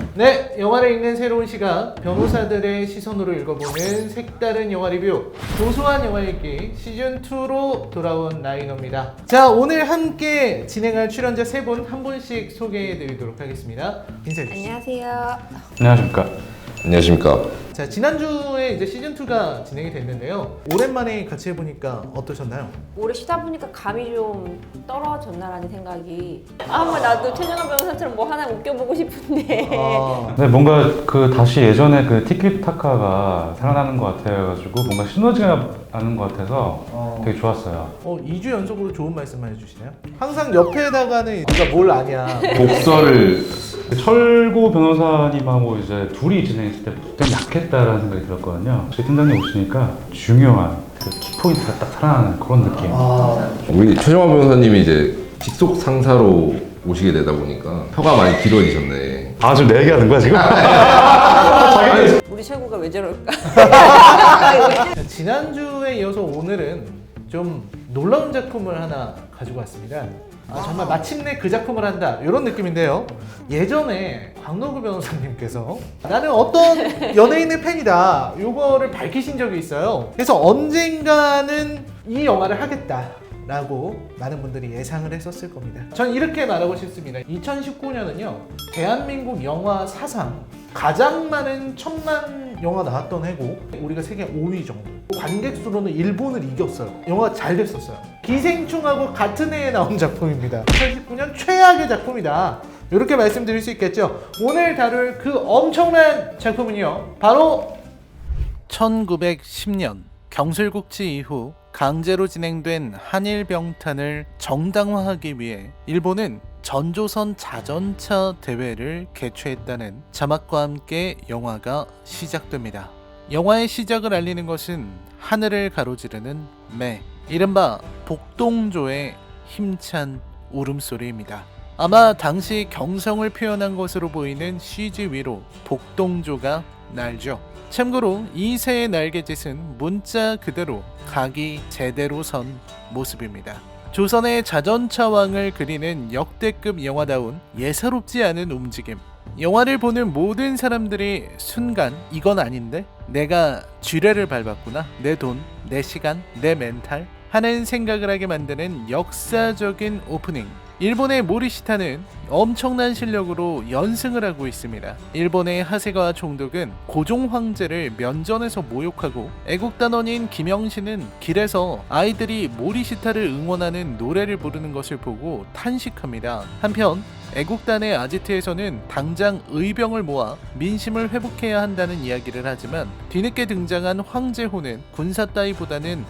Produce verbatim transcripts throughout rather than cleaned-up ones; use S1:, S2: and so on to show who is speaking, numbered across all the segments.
S1: 네, 영화를 읽는 새로운 시각, 변호사들의 시선으로 읽어보는 색다른 영화 리뷰, 고소한 영화 읽기 시즌이로 돌아온 라이너입니다. 자, 오늘 함께 진행할 출연자 세 분 한 분씩 소개해드리도록 하겠습니다. 인사해주시죠.
S2: 안녕하세요.
S3: 안녕하십니까.
S4: 안녕하십니까.
S1: 자, 지난주에 이제 시즌이가 진행이 됐는데요. 오랜만에 같이 해보니까 어떠셨나요?
S2: 오래 쉬다 보니까 감이 좀 떨어졌나라는 생각이. 아, 한번 나도 최정화 변호사처럼 뭐 하나 웃겨보고 싶은데.
S1: 아,
S3: 네, 뭔가 그 다시 예전에 그 티키타카가 살아나는 것 같아가지고 뭔가 시너지가 나는 것 같아서
S1: 어.
S3: 되게 좋았어요.
S1: 어, 이 주 연속으로 좋은 말씀만 해주시네요. 항상 옆에다가는 네가 뭘 아냐.
S3: 독서를 철고 변호사님하고 이제 둘이 진행했을 때 되게 약했다라는 생각이 들었거든요. 저희 팀장님 오시니까 중요한 그 키포인트가 딱 살아나는 그런 느낌.
S1: 아,
S4: 우리 최정화 변호사님이 이제 직속 상사로 오시게 되다 보니까 혀가 많이 길어지셨네.
S3: 아, 지금 내 얘기하는 거야 지금?
S2: 우리 최고가 왜 저럴까?
S1: 지난주에 이어서 오늘은 좀 놀라운 작품을 하나 가지고 왔습니다. 아, 정말 마침내 그 작품을 한다 이런 느낌인데요. 예전에 광노구 변호사님께서 나는 어떤 연예인의 팬이다 이거를 밝히신 적이 있어요. 그래서 언젠가는 이 영화를 하겠다 라고 많은 분들이 예상을 했었을 겁니다. 전 이렇게 말하고 싶습니다. 이천십구 년은요 대한민국 영화 사상 가장 많은 천만 영화 나왔던 해고, 우리가 세계 오 위 정도, 관객 수로는 일본을 이겼어요. 영화가 잘 됐었어요. 기생충하고 같은 해에 나온 작품입니다. 이천십구 년 최악의 작품이다, 이렇게 말씀드릴 수 있겠죠. 오늘 다룰 그 엄청난 작품은요 바로 천구백십 년 경술국지 이후 강제로 진행된 한일 병탄을 정당화하기 위해 일본은 전조선 자전차 대회를 개최했다는 자막과 함께 영화가 시작됩니다. 영화의 시작을 알리는 것은 하늘을 가로지르는 매, 이른바 복동조의 힘찬 울음소리입니다. 아마 당시 경성을 표현한 것으로 보이는 씨지 위로 복동조가 날죠. 참고로 이 새의 날개짓은 문자 그대로 각이 제대로 선 모습입니다. 조선의 자전차왕을 그리는 역대급 영화다운 예사롭지 않은 움직임. 영화를 보는 모든 사람들이 순간 이건 아닌데? 내가 쥐레를 밟았구나. 내 돈, 내 시간, 내 멘탈 하는 생각을 하게 만드는 역사적인 오프닝. 일본의 모리시타는 엄청난 실력으로 연승을 하고 있습니다. 일본의 하세가와 총독은 고종 황제를 면전에서 모욕하고 애국단원인 김영신은 길에서 아이들이 모리시타를 응원하는 노래를 부르는 것을 보고 탄식합니다. 한편 애국단의 아지트에서는 당장 의병을 모아 민심을 회복해야 한다는 이야기를 하지만 뒤늦게 등장한 황제호는 군사 따위보다는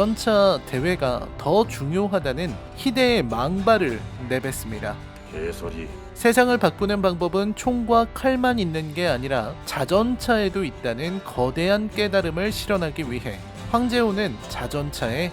S1: 자전차 대회가 더 중요하다는 희대의 망발을 내뱉습니다.
S5: 개소리.
S1: 세상을 바꾸는 방법은 총과 칼만 있는 게 아니라 자전차에도 있다는 거대한 깨달음을 실현하기 위해 황제호는 자전차에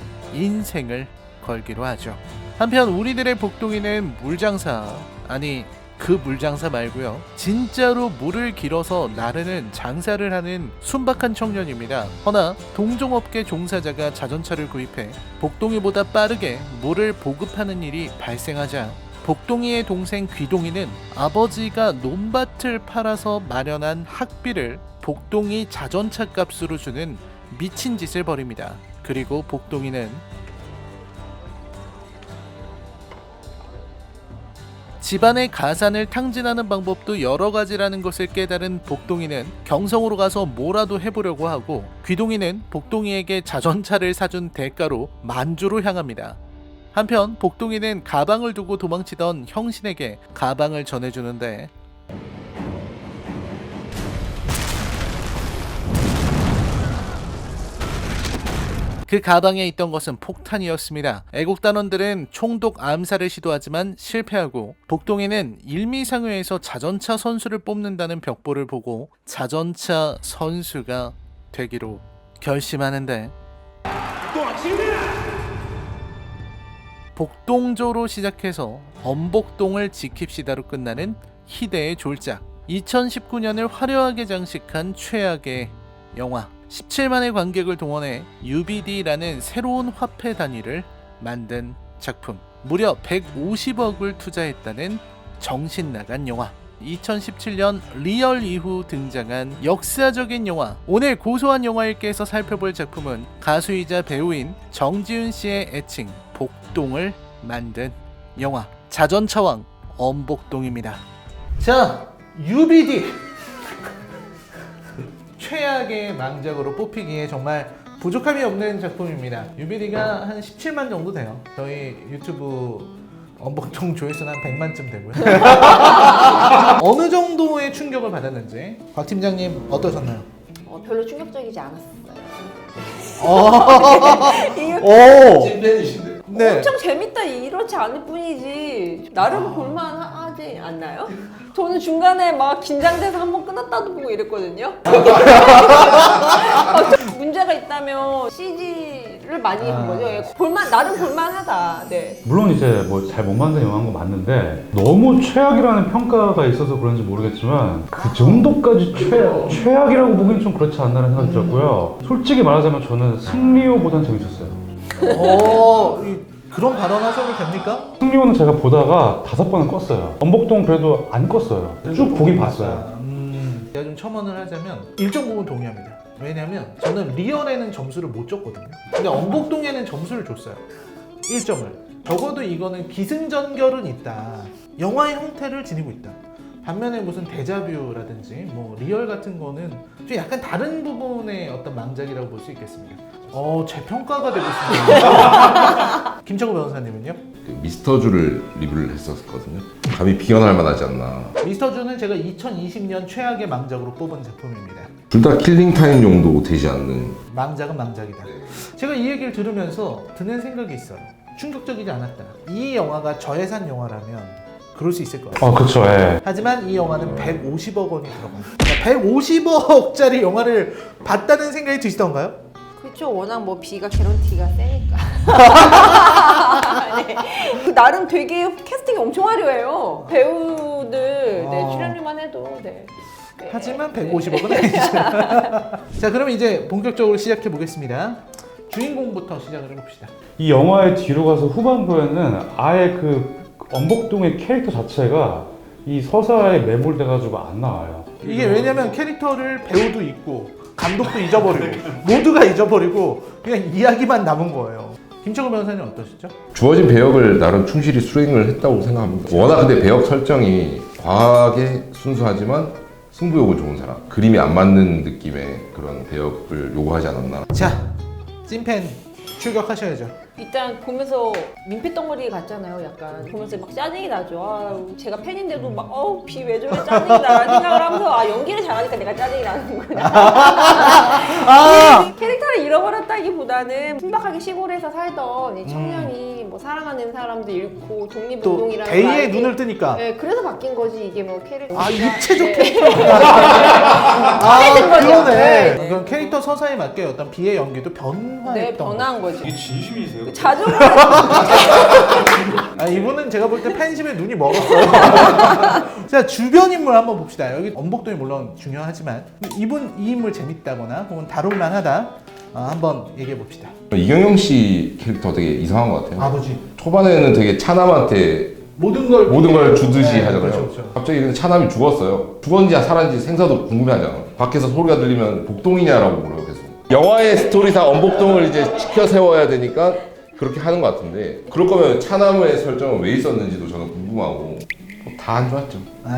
S1: 인생을 걸기로 하죠. 한편 우리들의 복동이는 물장사, 아니 그 물장사 말고요, 진짜로 물을 길어서 나르는 장사를 하는 순박한 청년입니다. 허나 동종업계 종사자가 자전차를 구입해 복동이보다 빠르게 물을 보급하는 일이 발생하자 복동이의 동생 귀동이는 아버지가 논밭을 팔아서 마련한 학비를 복동이 자전차 값으로 주는 미친 짓을 벌입니다. 그리고 복동이는 집안의 가산을 탕진하는 방법도 여러 가지라는 것을 깨달은 복동이는 경성으로 가서 뭐라도 해보려고 하고, 귀동이는 복동이에게 자전차를 사준 대가로 만주로 향합니다. 한편 복동이는 가방을 두고 도망치던 형신에게 가방을 전해주는데 그 가방에 있던 것은 폭탄이었습니다. 애국단원들은 총독 암살을 시도하지만 실패하고 복동이는 일미상회에서 자전차 선수를 뽑는다는 벽보를 보고 자전차 선수가 되기로 결심하는데, 복동조로 시작해서 범복동을 지킵시다로 끝나는 희대의 졸작. 이천십구 년을 화려하게 장식한 최악의 영화. 십칠만의 관객을 동원해 유비디라는 새로운 화폐 단위를 만든 작품. 무려 백오십억을 투자했다는 정신 나간 영화. 이천십칠 년 리얼 이후 등장한 역사적인 영화. 오늘 고소한 영화일기에서 살펴볼 작품은 가수이자 배우인 정지훈 씨의 애칭 복동을 만든 영화 자전차왕 엄복동입니다. 자, 유비디 최악의 망작으로 뽑히기에 정말 부족함이 없는 작품입니다. 유비디가 한 십칠만 정도 돼요. 저희 유튜브 엄복동 조회수는 한 백만쯤 되고요. 어느 정도의 충격을 받았는지 곽 팀장님 어떠셨나요?
S2: 어, 별로 충격적이지 않았어요. 이거
S1: 오,
S4: 찐팬이신데.
S1: 네.
S2: 엄청 재밌다 이렇지 않을 뿐이지 나름 볼만하지 않나요? 저는 중간에 막 긴장돼서 한번 끊었다도 보고 이랬거든요. 어, 좀 문제가 있다면 씨지를 많이 한 거죠. 예, 볼만 나름 볼만하다. 네.
S3: 물론 이제 뭐 잘 못 만든 영화인 거 맞는데 너무 최악이라는 평가가 있어서 그런지 모르겠지만 그 정도까지 최, 최악이라고 보기엔 좀 그렇지 않나라는 생각이 들었고요. 솔직히 말하자면 저는 승리호보단 재밌었어요.
S1: 어, 이, 그런 발언 하셔도 됩니까?
S3: 승리호는 제가 보다가 다섯 번은 껐어요. 엄복동 그래도 안 껐어요. 쭉 보긴 봤어요.
S1: 음, 제가 좀 첨언을 하자면 일정 부분 동의합니다. 왜냐면 저는 리얼에는 점수를 못 줬거든요. 근데 엄복동에는 점수를 줬어요. 일 점을. 적어도 이거는 기승전결은 있다. 영화의 형태를 지니고 있다. 반면에 무슨 데자뷰라든지 뭐 리얼 같은 거는 좀 약간 다른 부분의 어떤 망작이라고 볼 수 있겠습니다. 어, 재평가가 되고 있습니다. 김철구 변호사님은요?
S4: 그 미스터주를 리뷰를 했었거든요. 감히 비견할 만하지 않나.
S1: 미스터주는 제가 이천이십 년 최악의 망작으로 뽑은 작품입니다.
S4: 둘 다 킬링타임 정도 되지 않는.
S1: 망작은 망작이다. 제가 이 얘기를 들으면서 드는 생각이 있어요. 충격적이지 않았다. 이 영화가 저예산 영화라면 그럴 수 있을 것 같아요.
S3: 아 그쵸. 예.
S1: 하지만 이 영화는 백오십억 원이 들어가요. 그러니까 백오십억짜리 영화를 봤다는 생각이 드시던가요?
S2: 그렇죠. 워낙 뭐 비가 개런티가 세니까. 네. 그 나름 되게 캐스팅이 엄청 화려해요. 배우들 네,
S1: 아.
S2: 출연료만 해도 네. 네.
S1: 하지만 백오십억은 아니죠. 자, 그럼 이제 본격적으로 시작해 보겠습니다. 주인공부터 시작을 해봅시다.
S3: 이 영화의 뒤로 가서 후반부에는 아예 그 엄복동의 캐릭터 자체가 이 서사에 매몰돼가지고 안 나와요.
S1: 이게 왜냐면 캐릭터를 배우도 있고 감독도 잊어버리고 모두가 잊어버리고 그냥 이야기만 남은 거예요. 김철구 변호사님 어떠시죠?
S4: 주어진 배역을 나름 충실히 수행을 했다고 생각합니다. 워낙 근데 배역 설정이 과하게 순수하지만 승부욕은 좋은 사람. 그림이 안 맞는 느낌의 그런 배역을 요구하지 않았나.
S1: 자, 찐팬 출격하셔야죠.
S2: 일단 보면서 민폐 덩어리 같잖아요. 약간 보면서 막 짜증이 나죠. 아, 제가 팬인데도 막 어우 비 왜 저래 짜증이 나라는 생각을 하면서 아 연기를 잘하니까 내가 짜증이 나는구나.
S1: 아!
S2: 캐릭터를 잃어버렸다기보다는 순박하게 시골에서 살던 이 청년이 뭐 사랑하는 사람도 잃고
S1: 또
S2: 독립운동이라는
S1: 대의의
S2: 말이-
S1: 눈을 뜨니까
S2: 네, 그래서 바뀐 거지 이게 뭐 캐릭터.
S1: 아, 입체적
S2: 네.
S1: 캐릭터. 아,
S2: 된 거죠.
S1: 그러네.
S2: 네, 네.
S1: 그럼 캐릭터 서사에 맞게 어떤 비의 연기도 변화했던
S2: 네,
S1: 거.
S2: 변한 거죠.
S3: 이게 진심이세요?
S2: 자존감.
S1: 아, 이분은 제가 볼 때 팬심에 눈이 멀었어요. 자, 주변 인물 한번 봅시다. 여기 엄복동이 물론 중요하지만 이분 이 인물 재밌다거나 혹은 다룰만하다 어, 한번 얘기해 봅시다.
S4: 이경영 씨 캐릭터 되게 이상한 것 같아요.
S1: 아버지.
S4: 초반에는 되게 차남한테
S1: 모든 걸
S4: 모든 걸 주듯이
S1: 네,
S4: 하잖아요.
S1: 그렇죠, 그렇죠.
S4: 갑자기 근데 차남이 죽었어요. 죽었는지 살았는지 생사도 궁금해하잖아. 밖에서 소리가 들리면 복동이냐라고 물어요, 계속. 영화의 스토리상 엄복동을 이제 지켜 세워야 되니까 그렇게 하는 것 같은데 그럴 거면 차남의 설정은 왜 있었는지도 저는 궁금하고 다 안 좋았죠.
S1: 아,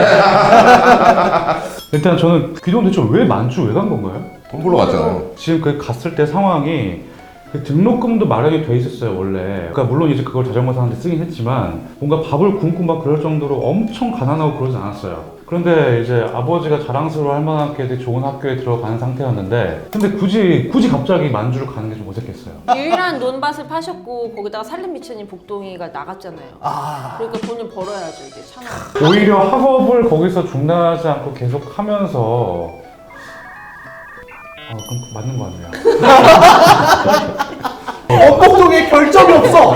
S1: 다
S3: 일단 저는 귀동 대체 왜 만주 왜 간 건가요?
S4: 돈 벌러 갔잖아요.
S3: 지금 그 갔을 때 상황이 그 등록금도 마련이 돼 있었어요 원래. 그러니까 물론 이제 그걸 자전거 사는데 쓰긴 했지만 뭔가 밥을 굶고 막 그럴 정도로 엄청 가난하고 그러진 않았어요. 그런데 이제 아버지가 자랑스러워할 만하게 되게 좋은 학교에 들어가는 상태였는데 근데 굳이 굳이 갑자기 만주를 가는 게 좀 어색했어요.
S2: 유일한 논밭을 파셨고 거기다가 살림 미천인 복동이가 나갔잖아요.
S1: 아,
S2: 그러니까 돈을 벌어야죠 이제 차나.
S3: 오히려 학업을 거기서 중단하지 않고 계속 하면서 아 그럼 맞는 거 같네요.
S1: 엄복동에 결점이 없어.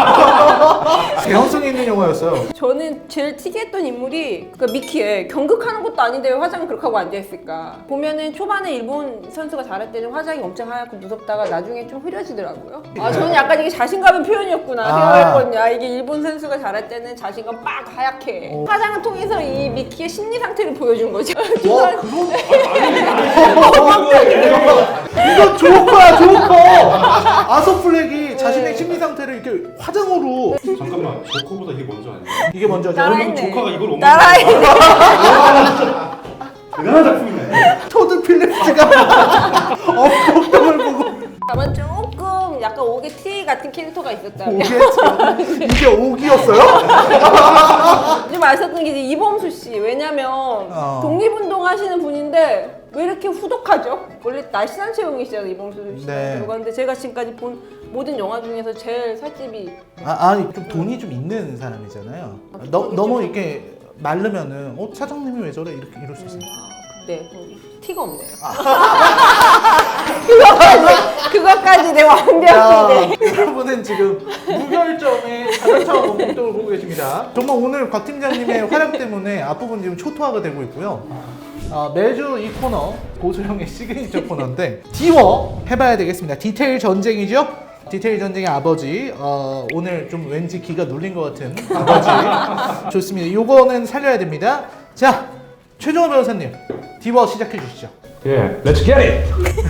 S1: 개연성이 있는 영화였어요.
S2: 저는 제일 특이했던 인물이 그 미키에 경극하는 것도 아닌데 왜 화장을 그렇게 하고 앉아있을까. 보면은 초반에 일본 선수가 잘할 때는 화장이 엄청 하얗고 무섭다가 나중에 좀 흐려지더라고요. 아 저는 약간 이게 자신감의 표현이었구나
S1: 아.
S2: 생각했거든요. 아, 이게 일본 선수가 잘할 때는 자신감 빡 하얗게
S1: 어.
S2: 화장을 통해서 이 미키의 심리 상태를 보여준 거죠.
S1: 와 그건 이거 조커야 조커. 아서플렉이 자신의 심리 상태를 이렇게 화장으로
S3: 잠깐만, 조커보다 이게 먼저 아니야?
S1: 이게 먼저죠.
S2: 따라했네.
S3: 조커가 이걸 옮긴
S2: 따라했네.
S3: 대단한 작품이네.
S1: 토드 필립스가 엄복동을 보고
S2: 다만 조금 약간 오게 티 같은 캐릭터가 있었다면
S1: 오게 이게 오기였어요?
S2: 좀 아셨던 게 이제 이범수 씨. 왜냐면
S1: 어.
S2: 독립운동 하시는 분인데 왜 이렇게 후덕하죠? 원래 날씬한 체형이시잖아요 이범수 씨.
S1: 네.
S2: 그런데 제가 지금까지 본 모든 영화 중에서 제일 살집이
S1: 아, 아니 좀 돈이 좀 있는 사람이잖아요. 너, 너무 이렇게 마르면은 어 사장님이 왜 저래 이렇게 이럴 수 있어요.
S2: 네 티가 없네요. 그거까지 그거까지 내 완벽히 네.
S1: 자, 여러분은 지금 무결점의 자동차 공통을 보고 계십니다. 정말 오늘 곽 팀장님의 활약 때문에 앞부분 지금 초토화가 되고 있고요. 어, 매주 이 코너 고소영의 시그니처 코너인데 디워 해봐야 되겠습니다. 디테일 전쟁이죠? 디테일 전쟁의 아버지. 어, 오늘 좀 왠지 기가 눌린 것 같은 아버지. 좋습니다. 요거는 살려야 됩니다. 자, 최종호 변호사님 디워 시작해 주시죠.
S3: 예, 렛츠 겟 잇!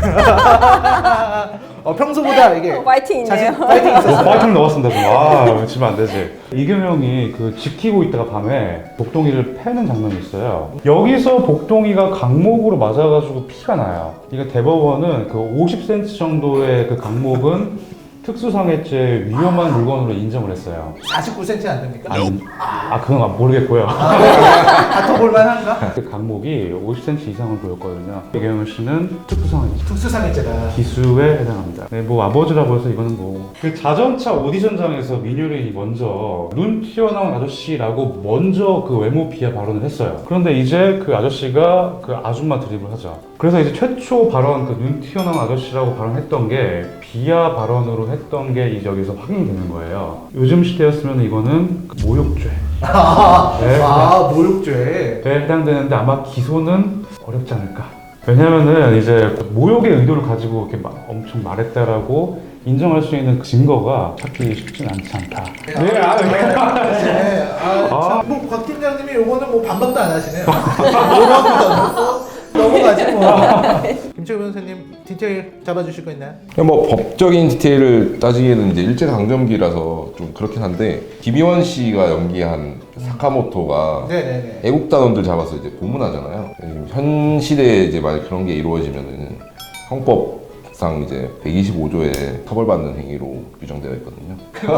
S1: 어, 평소보다 이게
S2: 어, 파이팅 있네요.
S1: 자신 파이팅 있었어요.
S3: 파이팅 넣었습니다. 좀. 아, 지면 안 되지. 이경영이 그 지키고 있다가 밤에 복동이를 패는 장면이 있어요. 여기서 복동이가 강목으로 맞아가지고 피가 나요. 이거 대법원은 그 오십 센티미터 정도의 그 강목은 특수상해죄 위험한 물건으로 인정을 했어요.
S1: 사십구 센티미터 안 됩니까?
S3: 아니, 아, 그건 모르겠고요.
S1: 다퉈볼 만한가?
S3: 그 강목이 오십 센티미터 이상을 보였거든요. 이경영 씨는 특수상해죄.
S1: 특수상해죄다.
S3: 기수에 해당합니다. 네, 뭐 아버지라고 해서 이거는 뭐. 그 자전차 오디션장에서 민효린이 먼저 눈 튀어나온 아저씨라고 먼저 그 외모 비하 발언을 했어요. 그런데 이제 그 아저씨가 그 아줌마 드립을 하죠. 그래서 이제 최초 발언 그 눈 튀어나온 아저씨라고 발언했던 게 비하 발언으로 했던 게 이제 여기서 확인이 되는 거예요. 요즘 시대였으면 이거는 그 모욕죄.
S1: 아,
S3: 네.
S1: 아 모욕죄.
S3: 에 해당되는데 아마 기소는 어렵지 않을까. 왜냐면은 이제 모욕의 의도를 가지고 이렇게 막 엄청 말했다라고 인정할 수 있는 증거가 찾기 쉽진 않지 않다. 네, 아, 네.
S1: 네, 아,
S3: 아.
S1: 참, 뭐, 곽 팀장님이 요거는 뭐 반박도 안 하시네요. 뭐라고도 안 하고 넘어가지 뭐. 김철 변호사님 디테일 잡아주실 거 있나요?
S4: 그냥 뭐 법적인 디테일을 따지기에는 이제 일제 강점기라서 좀 그렇긴 한데 김희원 씨가 연기한 사카모토가
S1: 네네네.
S4: 애국단원들 잡아서 이제 고문하잖아요. 지금 현 시대에 이제 만약 그런 게 이루어지면은 형법상 이제 백이십오 조에 처벌받는 행위로 규정되어 있거든요.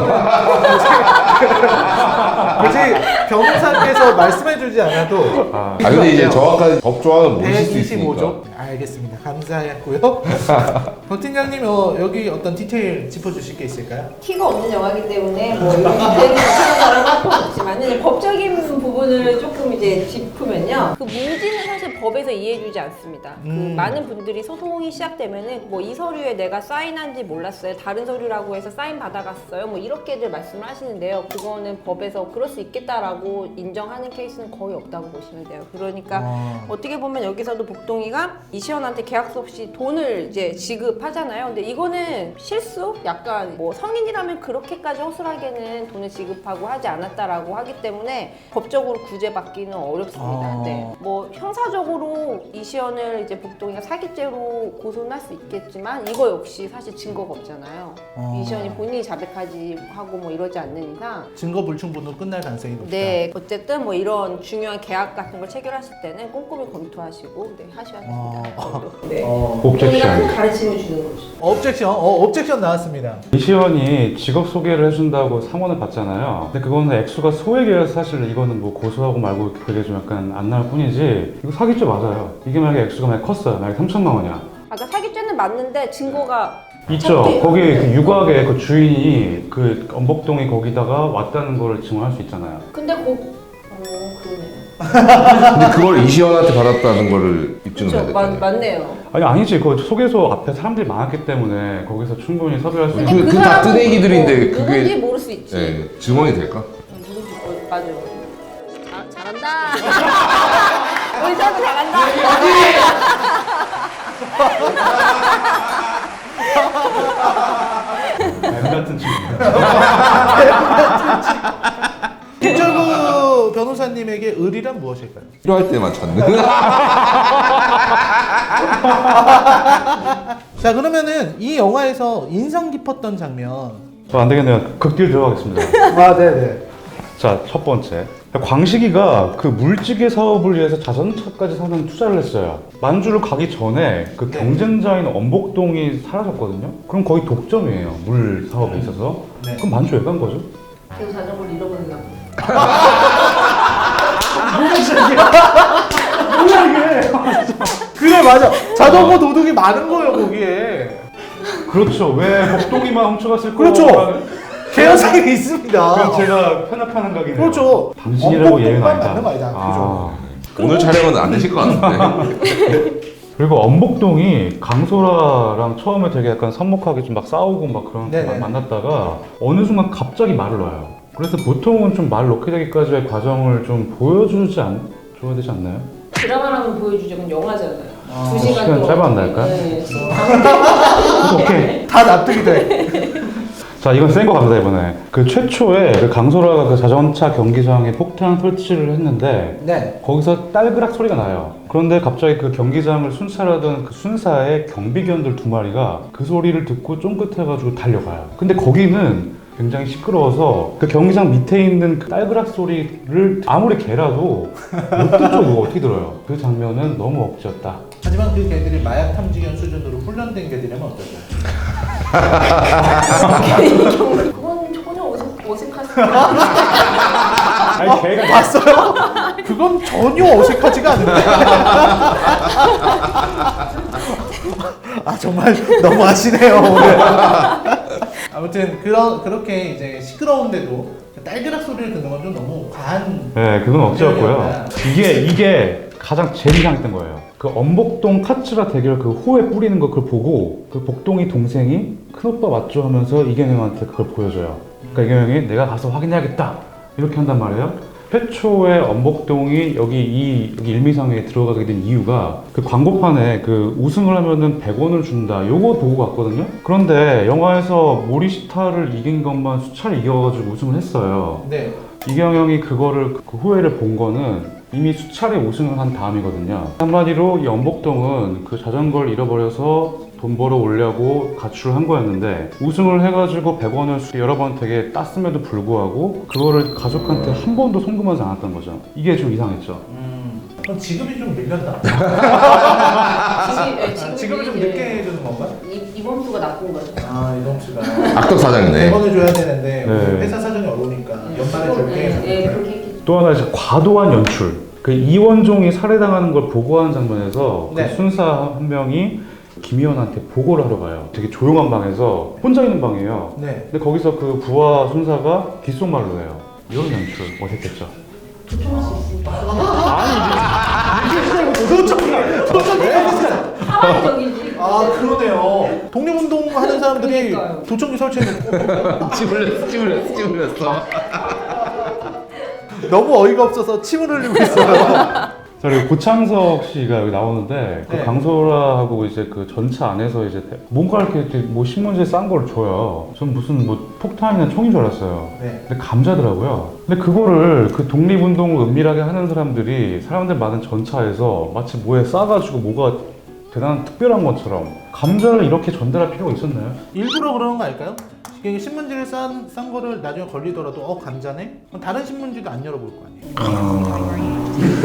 S1: 굳이 변호사께서 말씀해주지 않아도
S3: 아,
S4: 아 근데 이제 정확한 법조항은 모르실 수
S1: 백이십오 조?
S4: 있으니까.
S1: 알겠습니다. 감사했고요. 곽 팀장님 어, 여기 어떤 디테일 짚어주실 게 있을까요?
S2: 티가 없는 영화이기 때문에 뭐 이런 디테일이 못하는 사람은 할 건 없지만 이제 법적인 부분을 조금 이제 짚으면요. 그 문지는 사실 법에서 이해해주지 않습니다.
S1: 음.
S2: 그 많은 분들이 소송이 시작되면은 뭐 이 서류에 내가 사인한지 몰랐어요. 다른 서류라고 해서 사인 받아갔어요. 뭐 이렇게들 말씀을 하시는데요. 그거는 법에서 그럴 수 있겠다라고 인정하는 케이스는 거의 없다고 보시면 돼요. 그러니까
S1: 어.
S2: 어떻게 보면 여기서도 복동이가 이시연한테 계약서 없이 돈을 이제 지급하잖아요. 근데 이거는 실수? 약간 뭐 성인이라면 그렇게까지 허술하게는 돈을 지급하고 하지 않았다라고 하기 때문에 법적으로 구제받기는 어렵습니다.
S1: 어.
S2: 네. 뭐 형사적으로 이시연을 이제 복동이가 사기죄로 고소는 할 수 있겠지만 이거 역시 사실 증거가 없잖아요.
S1: 어.
S2: 이시연이 본인이 자백하지 하고 뭐 이러지 않는 이상
S1: 증거 불충분으로 끝날 가능성이 높다.
S2: 네, 어쨌든 뭐 이런 중요한 계약 같은 걸 체결하실 때는 꼼꼼히 검토하시고 네, 하셔야 됩니다.
S1: 어.
S2: 네.
S1: 어.
S2: 복동이가 큰
S3: 옵젝션.
S2: 가르침을 주는 거죠.
S1: 업젝션, 어, 업젝션 나왔습니다.
S3: 이시연이 직업 소개를 해준다고 상원을 받잖아요. 근데 그거는 액수가 소액이라서 사실 이거는 뭐 고소하고 말고 그게 좀 약간 안 나올 뿐이지 이거 사기죄 맞아요. 이게 만약에 액수가 만약 컸어요. 만약에 삼천만 원이야.
S2: 아까 사기죄는 맞는데 증거가
S3: 있죠.
S2: 찾기-
S3: 거기 그 육아의 그 주인이 그 엄복동이 거기다가 왔다는 거를 증언할 수 있잖아요.
S2: 근데 거 어, 그러네.
S4: 근데 그걸 이시연한테 받았다는 거를 입증을 해야
S2: 그렇죠.
S4: 될거 아니에요?
S2: 맞네요.
S3: 아니 아니지. 그 소개소 앞에 사람들이 많았기 때문에 거기서 충분히 섭외할 수
S2: 근데
S3: 있는.
S4: 그- 그다
S2: 사람은
S4: 뜨내기들인데
S2: 뭐
S4: 그게-
S2: 누군지 모를 수 있지.
S4: 네, 증언이 될까?
S2: 누군지 어, 맞아. 자, 잘한다. 우리 저도 잘한다.
S3: 뱀 같은 친구.
S1: 김철구 변호사님에게 의리란 무엇일까요?
S4: 필요할 때만 찾는.
S1: 자 그러면은 이 영화에서 인상 깊었던 장면.
S3: 저 안 되겠네요. 극딜 들어가겠습니다.
S1: 아 네네.
S3: 자, 첫 번째. 광식이가 그 물찌개 사업을 위해서 자전차까지 상당히 투자를 했어요. 만주를 가기 전에 그
S1: 네.
S3: 경쟁자인 엄복동이 사라졌거든요. 그럼 거의 독점이에요. 물 사업에 있어서.
S1: 네.
S3: 그럼 만주 왜 간 거죠?
S2: 계속 자전거를 잃어버린다.
S1: 뭐야 이게? 그래 맞아. 자전거 도둑이 많은 거예요 거기에.
S3: 그렇죠. 왜 복동이만 훔쳐갔을
S1: 그렇죠.
S3: 거라는-
S1: 개연성이 있습니다.
S3: 그럼 제가 편협하는 각이네요.
S1: 그렇죠.
S3: 당신이라고 예외는
S1: 엄복동만
S3: 아니다.
S1: 맞는 거 아니다.
S3: 아.
S4: 오늘 촬영은 안 되실 것 같은데.
S3: 그리고 엄복동이 강소라랑 처음에 되게 약간 섭목하게 좀 막 싸우고 막 그런
S1: 네네.
S3: 막 만났다가 어느 순간 갑자기 말을 놔요. 그래서 보통은 좀 말 놓게 되기까지의 과정을 좀 보여주지 않, 줘야 되지 않나요?
S2: 드라마라면 보여주죠. 그건 영화잖아요.
S1: 아,
S2: 두 시간
S3: 시간
S2: 동안.
S3: 짧았나요?
S2: 네.
S3: 오케이.
S1: 다 납득이 돼.
S3: 자, 이건 센 거 갑니다, 이번에. 그 최초에 그 강소라가 그 자전차 경기장에 폭탄 설치를 했는데
S1: 네.
S3: 거기서 딸그락 소리가 나요. 그런데 갑자기 그 경기장을 순찰하던 그 순사의 경비견들 두 마리가 그 소리를 듣고 쫑긋해가지고 달려가요. 근데 거기는 굉장히 시끄러워서 그 경기장 밑에 있는 그 딸그락 소리를 아무리 개라도 못 듣죠. 그거 어떻게 들어요? 그 장면은 너무 억지였다.
S1: 하지만 그 개들이 마약 탐지견 수준으로 훈련된 개들이라면 어떨까요?
S2: 그건 전혀 어색, 어색하지.
S3: 아니 개가
S1: 봤어요? 그건 전혀 어색하지가 않은데. 아 정말 너무하시네요 오늘. 아무튼 그런 그렇게 이제 시끄러운데도 딸그락 소리를 듣는 건 좀 너무 과한.
S3: 네, 그건 억지였고요. 이게 이게 가장 제일 이상했던 거예요. 그 엄복동 카츠라 대결 그 호에 뿌리는 거 그걸 보고 그 복동이 동생이 큰오빠 맞죠 하면서 이경영한테 그걸 보여줘요. 그러니까 이경영이 내가 가서 확인해야겠다 이렇게 한단 말이에요. 최초에 엄복동이 여기 이 여기 일미상에 들어가게 된 이유가 그 광고판에 그 우승을 하면은 백 원을 준다 요거 보고 갔거든요. 그런데 영화에서 모리시타를 이긴 것만 수차례 이겨가지고 우승을 했어요.
S1: 네.
S3: 이경영이 그거를 그 후회를 본 거는 이미 수차례 우승을 한 다음이거든요. 한마디로 이 엄복동은 그 자전거를 잃어버려서 돈 벌어 오려고 가출을 한 거였는데 우승을 해가지고 백 원을 여러 번 되게 땄음에도 불구하고 그거를 가족한테 한 번도 송금하지 않았던 거죠. 이게 좀 이상했죠.
S1: 음. 그럼 지급이 좀 밀렸나?
S2: 지금, 네,
S1: 아, 지급을 좀 늦게 해주는 건가?
S2: 이, 이번 수가 나쁜 거죠.
S1: 아 이동 씨가
S4: 악덕 사장이네.
S1: 백 원을 줘야 되는데
S3: 네.
S1: 회사 사정이 어려우니까 연말에
S2: 네,
S1: 줄게.
S2: 네, 그렇게 했겠죠.
S3: 또 하나 이제 과도한 연출. 그 이원종이 살해당하는 걸 보고하는 장면에서
S1: 네.
S3: 그 순사 한 명이 김희원한테 보고를 하러 가요. 되게 조용한 방에서 혼자 있는 방이에요.
S1: 네.
S3: 근데 거기서 그 부하 순사가 귓속말로 해요. 이런 연출 어색했죠.
S2: 도청할 수 있으니까.
S1: 도청이 도청이
S2: 사망의 적이지.
S1: 아 그러네요. 독립운동 하는 사람들이
S2: 그러니까요.
S1: 도청기 설치해놓고
S4: 침 흘렸어, 침 흘렸어, 침 흘렸어.
S1: 너무 어이가 없어서 침을 흘리고 있어요.
S3: 자, 그리고 고창석 씨가 여기 나오는데 그
S1: 네.
S3: 강소라하고 이제 그 전차 안에서 이제 뭔가 이렇게 뭐 신문지에 싼 걸 줘요. 전 무슨 뭐 폭탄이나 총인 줄 알았어요.
S1: 네.
S3: 근데 감자더라고요. 근데 그거를 그 독립운동을 은밀하게 하는 사람들이 사람들 많은 전차에서 마치 뭐에 싸가지고 뭐가 대단한 특별한 것처럼 감자를 이렇게 전달할 필요가 있었나요?
S1: 일부러 그러는 거 아닐까요? 이게 신문지를 싼, 싼 거를 나중에 걸리더라도 어 감자네? 그럼 다른 신문지도 안 열어볼 거 아니에요.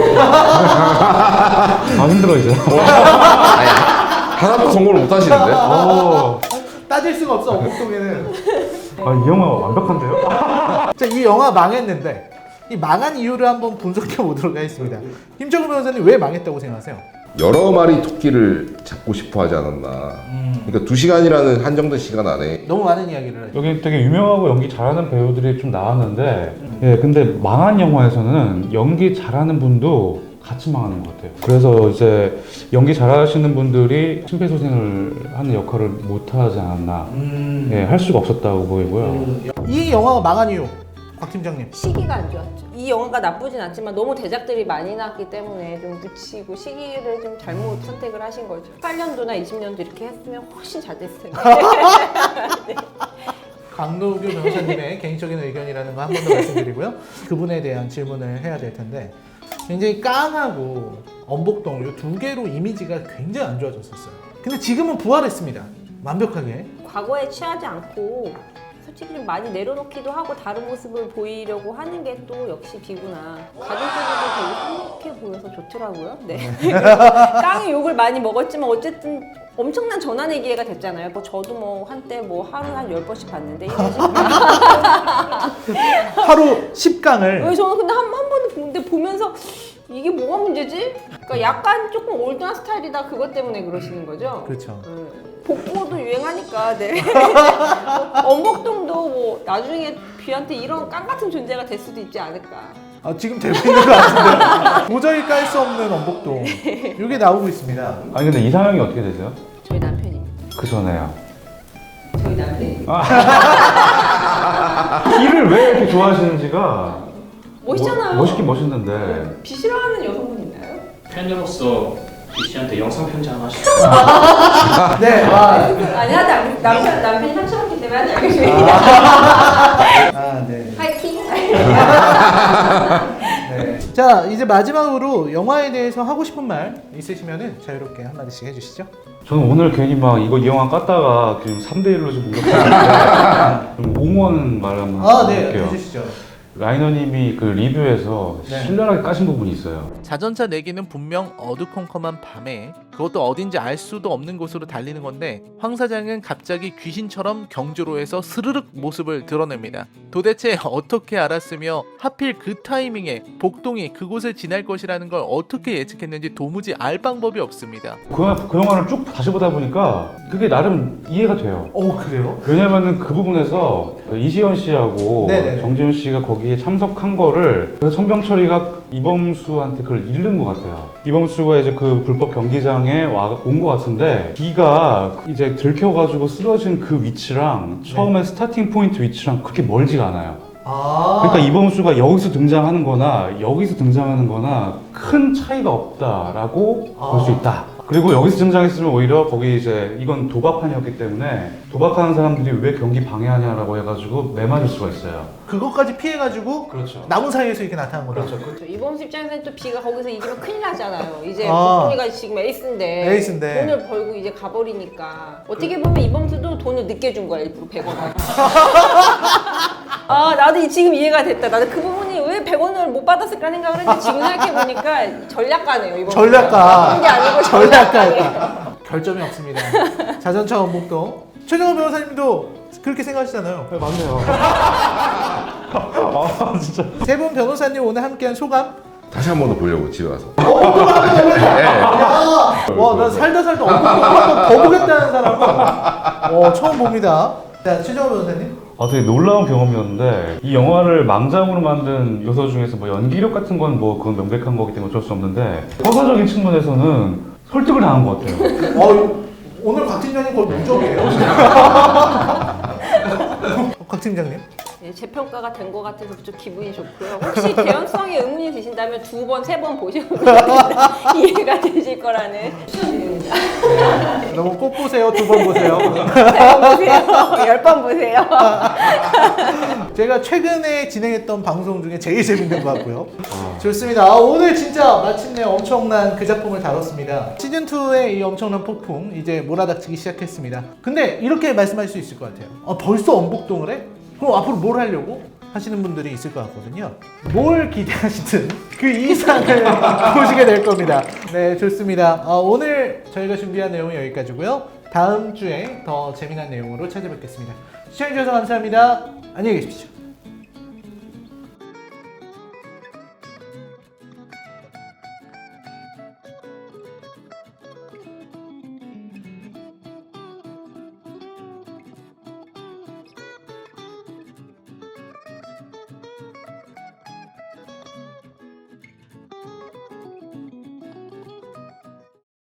S3: 아 힘들어 이제.
S4: 아니, 하나도 성공을 못 하시는데?
S3: 오,
S1: 따질 수가 없어 엄복동에는.
S3: 아, 이 영화 완벽한데요?
S1: 자, 이 영화 망했는데 이 망한 이유를 한번 분석해 보도록 하겠습니다. 김정우 변호사님 왜 망했다고 생각하세요?
S4: 여러 마리 토끼를 잡고 싶어 하지 않았나.
S1: 음.
S4: 그러니까 두 시간이라는 한정된 시간 안에
S1: 너무 많은 이야기를 하죠.
S3: 여기 되게 유명하고 연기 잘하는 배우들이 좀 나왔는데 예 근데 망한 영화에서는 연기 잘하는 분도 같이 망하는 것 같아요. 그래서 이제 연기 잘하시는 분들이 심폐소생을 하는 역할을 못하지 않았나.
S1: 음.
S3: 예, 할 수가 없었다고 보이고요.
S1: 음. 이 영화가 망한 이유, 곽 팀장님.
S2: 시기가 안 좋았죠. 이 영화가 나쁘진 않지만 너무 대작들이 많이 나왔기 때문에 좀 묻히고 시기를 좀 잘못 선택을 하신 거죠. 십팔 년도나 이십 년도 이렇게 했으면 훨씬 잘 됐을 텐데. 네.
S1: 강노규 변호사님의 개인적인 의견이라는 거 한 번 더 말씀드리고요. 그분에 대한 질문을 해야 될 텐데 굉장히 깡하고 엄복동 이 두 개로 이미지가 굉장히 안 좋아졌었어요. 근데 지금은 부활했습니다. 완벽하게.
S2: 과거에 취하지 않고 솔직히 좀 많이 내려놓기도 하고 다른 모습을 보이려고 하는 게 또 역시 비구나. 가족들도 되게 행복해 보여서 좋더라고요. 네. 깡의 욕을 많많이 먹었지만 어쨌든 엄청난 전환의 기회가 됐잖아요. 뭐 저도 뭐 한때 뭐 하루 한 열 번씩 봤는데 이러시면
S1: 하루 십 강을
S2: 왜 저는 근데 한, 한 번도 보는데 보면서 이게 뭐가 문제지? 그러니까 약간 조금 올드한 스타일이다 그것 때문에 그러시는 거죠?
S1: 그렇죠.
S2: 음. 복고도 유행하니까 네. 엄복동도 뭐 나중에 뷔한테 이런 깡 같은 존재가 될 수도 있지 않을까.
S1: 아, 지금 되고 있는 것 같은데 도저히 깔 수 없는 엄복동 이게 나오고 있습니다.
S3: 아니 근데 이상형이 어떻게 되세요?
S2: 저희 남편입니다.
S3: 그 전에요.
S2: 저희 남편이
S3: 길을 왜 이렇게 좋아하시는지가
S2: 멋있잖아요.
S3: 멋, 멋있긴 멋있는데
S2: 비 싫어하는 여성분 있나요?
S5: 팬으로서 비씨한테 영상 편지 하나 하시죠.
S1: 네. 아,
S2: 아니 하지 않 남편 남편이 상처받기 때문에 하지 않겠습니다.
S1: 아 네.
S2: 파이팅.
S1: 네. 자 이제 마지막으로 영화에 대해서 하고 싶은 말 있으시면은 자유롭게 한 마디씩 해주시죠.
S3: 저는 오늘 괜히 막 이거 이 영화 깠다가 지금 삼 대 일로 좀 공격하는데 좀 옹호하는 말 한번
S1: 아네
S3: 해볼게요.
S1: 해주시죠.
S3: 라이너님이 그 리뷰에서
S1: 네.
S3: 신랄하게 까신 부분이 있어요.
S1: 자전차 내기는 분명 어두컴컴한 밤에 그것도 어딘지 알 수도 없는 곳으로 달리는 건데 황 사장은 갑자기 귀신처럼 경주로에서 스르륵 모습을 드러냅니다. 도대체 어떻게 알았으며 하필 그 타이밍에 복동이 그곳을 지날 것이라는 걸 어떻게 예측했는지 도무지 알 방법이 없습니다.
S3: 그, 영화- 그 영화를 쭉 다시 보다 보니까 그게 나름 이해가 돼요.
S1: 오 그래요?
S3: 왜냐면은 그 부분에서 이시연 씨하고
S1: 네네네.
S3: 정지훈 씨가 거기에 참석한 거를 그래서 천병철이가 이범수한테 그걸 잃는 것 같아요. 이범수가 이제 그 불법 경기장에 온 것 같은데 비가 이제 들켜가지고 쓰러진 그 위치랑 처음에 스타팅 포인트 위치랑 그렇게 멀지가 않아요.
S1: 아
S3: 그러니까 이범수가 여기서 등장하는 거나 여기서 등장하는 거나 큰 차이가 없다라고
S1: 아.
S3: 볼 수 있다. 그리고 여기서 등장했으면 오히려 거기 이제 이건 도박판이었기 때문에 도박하는 사람들이 왜 경기 방해하냐라고 해가지고 매맞을 수가 있어요.
S1: 그것까지 피해가지고
S3: 그렇죠.
S1: 남은 사이에서 이렇게 나타난 거죠.
S2: 그렇죠. 이범수 입장에서는 또 비가 거기서 이기면 큰일 나잖아요. 이제
S1: 아.
S2: 복동이가 지금 에이스인데,
S1: 에이스인데.
S2: 돈을 벌고 이제 가버리니까 어떻게 보면 이범수도 돈을 늦게 준 거야 일부러 백 원을. 아 나도 이- 지금 이해가 됐다. 나도 그 부분이 왜 백 원을 못 받았을까 생각을 했는데 지금 생각해보니까 전략가네요 이범수.
S1: 전략가.
S2: 그런 게 아니고
S1: 전략가.
S2: 전략가예요.
S1: 결점이 없습니다. 자전차 원복동. 최정호 변호사님도 그렇게 생각하시잖아요.
S3: 네, 맞네요. 아 진짜.
S1: 세 분 변호사님 오늘 함께한 소감?
S4: 다시 한 번 더 보려고 집에 와서.
S1: 와, 난 살다 살다 한번 더 보겠다는 사람은 어, 처음 봅니다. 자, 최정호 변호사님.
S3: 아 되게 놀라운 경험이었는데 이 영화를 망장으로 만든 요소 중에서 뭐 연기력 같은 건 뭐 그건 명백한 거기 때문에 어쩔 수 없는데 서사적인 측면에서는 설득을 당한 것 같아요.
S1: 어, 오늘 곽 팀장님 거의 무적이에요. 곽 팀장님.
S2: 네, 재평가가 된 것 같아서 좀 기분이 좋고요. 혹시 개연성에 의문이 드신다면 두 번, 세 번 보시면 이해가 되실 거라는 추천드립니다.
S1: 너무 꼭 보세요. 두 번 보세요.
S2: 세 번 보세요. 열 번 보세요.
S1: 제가 최근에 진행했던 방송 중에 제일 재밌는 것 같고요. 좋습니다. 아, 오늘 진짜 마침내 엄청난 그 작품을 다뤘습니다. 시즌이의 이 엄청난 폭풍 이제 몰아닥치기 시작했습니다. 근데 이렇게 말씀할 수 있을 것 같아요. 아, 벌써 엄복동을 해? 그럼 앞으로 뭘 하려고? 하시는 분들이 있을 것 같거든요. 뭘 기대하시든 그 이상을 보시게 될 겁니다. 네, 좋습니다. 어, 오늘 저희가 준비한 내용은 여기까지고요. 다음 주에 더 재미난 내용으로 찾아뵙겠습니다. 시청해주셔서 감사합니다. 안녕히 계십시오.